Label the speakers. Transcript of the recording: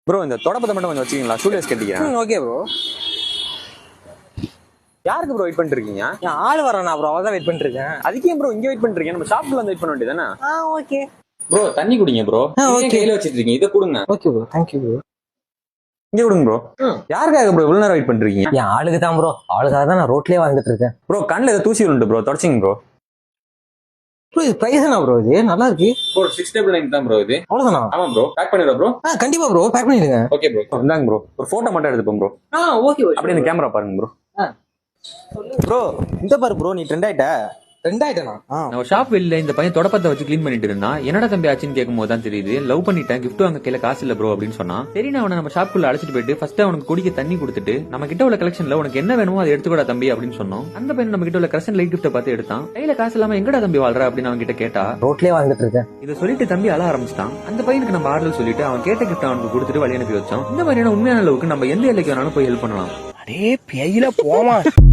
Speaker 1: Bro இந்த தொடப்பத்தை மட்டும் கொஞ்சம் வச்சுக்கீங்களா? ஸ்டூடியோஸ் கட்டிக்கிறேன்.
Speaker 2: Okay bro.
Speaker 1: யாருக்கு ப்ரோ வெயிட் பண்ணிட்டு இருக்கீங்க?
Speaker 2: ஆள் வரானா ப்ரோ, அவதான் வெயிட் பண்ணிட்டு இருக்கேன்.
Speaker 1: அதுக்கே ப்ரோ இங்க வெயிட் பண்ணிட்டு இருக்கீங்க? நம்ம ஷாப்ல வந்து வெயிட் பண்ண வேண்டியதானே?
Speaker 2: ஓகே
Speaker 1: ப்ரோ தண்ணி குடிங்க ப்ரோ.
Speaker 2: ஓகே.
Speaker 1: கையில வச்சிட்டு இருக்கீங்க, இதை கொடுங்க.
Speaker 2: Okay bro, thank you bro.
Speaker 1: இங்க கொடுங்க ப்ரோ. யாருக்காக ப்ரோ இவ்வளவு நேரம் வெயிட் பண்றீங்க?
Speaker 2: என் ஆளுக்கு தான் ப்ரோ, ஆளுக்காக தான் நான் ரோட்லயே வந்துட்டு இருக்கேன்.
Speaker 1: ப்ரோ கண்ணில் ஏதோ தூசி விழுந்து ப்ரோ, தொடச்சிங்க ப்ரோ.
Speaker 2: ப்ரோ இது பிரைஸ் என்ன ப்ரோ? இது நல்லா இருக்கு
Speaker 1: ப்ரோ 699 தான் ப்ரோ இது.
Speaker 2: அவ்வளவுதானா?
Speaker 1: ஆமா ப்ரோ. பேக் பண்ணிடுறோம் ப்ரோ.
Speaker 2: கண்டிப்பா ப்ரோ, பேக் பண்ணிடுங்க.
Speaker 1: Okay bro. இந்தாங்க ப்ரோ, ஒரு போட்டோ மட்டும் எடுத்துப்போம் ப்ரோ.
Speaker 2: ஓகே
Speaker 1: அப்படியே இந்த கேமரா பாருங்க ப்ரோ.
Speaker 3: ப்ரோ இந்த பாரு ப்ரோ, நீ ட்ரெண்ட் ஆயிட்ட.
Speaker 2: ரெண்டாயிட்டனா?
Speaker 4: நான் ஷாப் வெளியில இந்த பையன் தொடப்பத்தை வச்சு கிளீன் பண்ணிட்டு இருந்தான். என்னடா தம்பி ஆச்சுன்னு கேட்கும் போது தான் தெரியுது, லவ் பண்ணிட்டேன், கிஃப்ட் வாங்க கையில காசு இல்ல ப்ரோ அப்படின்னு சொன்னான். சரி நான் அவனை நம்ம ஷாப்புக்குள்ள அழைச்சிட்டு போயிட்டு ஃபர்ஸ்ட் அவனுக்கு குடிக்க தண்ணி கொடுத்துட்டு நம்ம கிட்ட உள்ள கலெக்ஷன்ல உனக்கு என்ன வேணுமோ அதை எடுத்துக்கூடா தம்பி அப்படின்னு சொன்னோம். அந்த பையன் நம்ம கிட்ட உள்ள கிரசன் லைட் கிஃப்ட பார்த்து எடுத்தான். கையில காசு இல்லாம எங்கடா தம்பி வாழ்ற அப்படின்னு அவன் கிட்ட கேட்டா,
Speaker 2: ரோட்லயே வந்துட்டு இருக்கேன்.
Speaker 4: இதை சொல்லிட்டு தம்பி அழ ஆரம்பிச்சிட்டான். அந்த பையனுக்கு நம்ம ஆறுதல் சொல்லிட்டு அவன் கேட்ட கிஃப்ட் அவனுக்கு கொடுத்துட்டு வழி அனுப்பி வச்சோம். இந்த மாதிரியான உண்மையான அளவுக்கு நம்ம எந்த எல்லைக்கு வேணாலும் போய் ஹெல்ப் பண்ணலாம்.
Speaker 2: அடே பேயில போமா.